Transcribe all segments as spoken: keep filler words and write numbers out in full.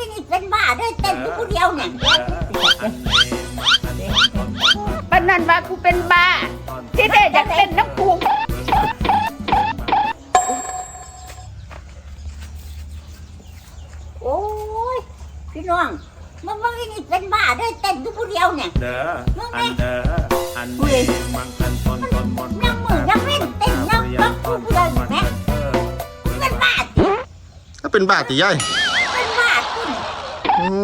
นี่เป็นบ้าด้วยเต้นอยู่คนเดียวเนี่ยปานนั้นว่ากูเป็นบ้าที่แท้อยากเต้นน้ำกูโอ้ยพี่น้องมันมันนี่เป็นบ้าด้วยเต้นอยู่คนเดียวเนี่ยเด้ออันเด้ออันนี้มันเป็นตอนตอนหมดนั่งมือนั่งเล่นเต้นนั่งนั่งพูดเลยแม่เป็นบ้าก็เป็นบ้าติยายเป็นบ้าคุณโอ้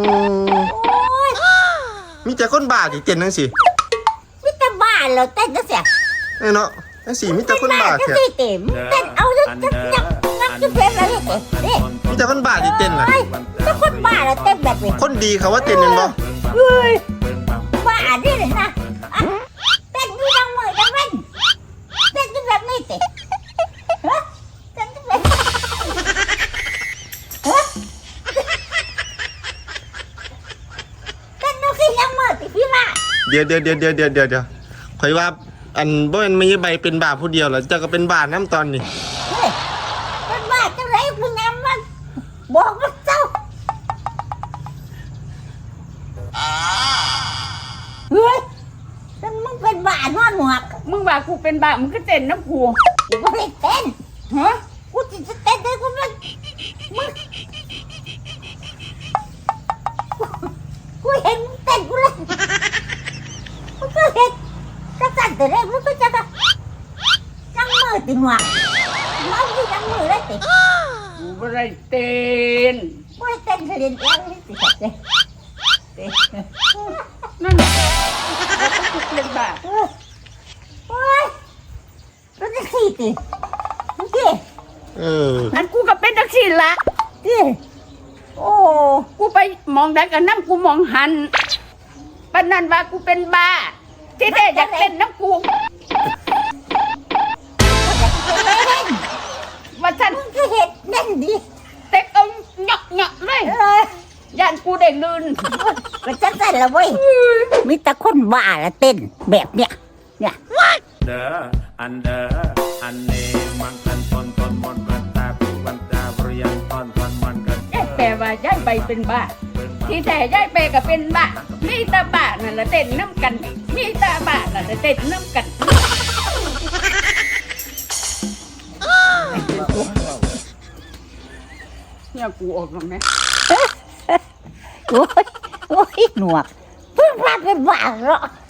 มีแต่คนบ้าติเต้นจังซี่มีแต่บ้าเหรอเต้นจังซี่เอ้เนาะจังซี่มีแต่คนบ้าแท้เต็มเต้นเอาจังนักนักจะเป็นอะไรเต้นี่มีแต่คนบ้าที่เต้นน่ะถ้าคนบ้าแล้วเต้นแบบนี้คนดีเขาว่าเต้นแม่นบ่เฮ้ยบ้าดิเลยนะเต้นอยู่ดังมือดังเล่นเต้นแบบนี้เต้ฮะเต้นแบบฮะเต้นดูสิยังมือติพี่ละเดี๋ยวเดี๋ยวเดี๋ยวเดี๋ยวเดี๋ยวเดี๋ยวข่อยว่าอันบ่แม่นมีใบเป็นบ้าผู้เดียวเหรอเจ้าก็เป็นบ้าน้ำตอนนี้เฮ้ยเป็นบ้าจังไรมึงนำมันบอกว่าเจ้าเฮ้ยฉันมึงเป็นบ้านอนหนวกมึงว่ากูเป็นบ้ามึงก็เต้นน้ำกูกูไม่ได้เต้นฮะกูจะเต้นได้กูไม่มึงกูเห็นมึงเต้นกูเลยมึงก็เห็นกระสันแต่แรกมึงก็จะกระจังมือติหนวกมึงที่จังมือเลยติกูไม่ได้เต้นไม่ได้เต้นเรียนเองนี่ติเต้นเต้นนั่นแหละกูเป็นบ้าโอ้ยรู้จะขี้ติมึงขี้เอออันกูก็เป็นจังซี่ละขี้โอ้กูไปมองได้กันน้ำกูมองหันปานนั้นว่ากูเป็นบ้าที่แท้อยากเต้นน้ำกูว่าฉันมึงก็เห็นเล่นดิเต็กเอาหยอกหยอกเลยย่านกูได้ลื่นก็จะเต้นละเว้ยมีแต่คนบ้าละเต้นแบบเนี้ยเนี่ยเด้ออันเด้ออันนี้มันเป็นตอนตอนหมดกันตาวันตาเรียนตอนตอนมันกันแต่ว่าย้ายไปเป็นบ้าที่แต่ย้ายไปก็เป็นบ้ามีตาบ้านั่นละเต้นน้ำกันมีตาบ้านั่นละเต้นน้ำกันเนี่ยกูออกมาไหมโอ้ยโอ้ยหนวกเพิ่งพาเป็นบ้าเหรอ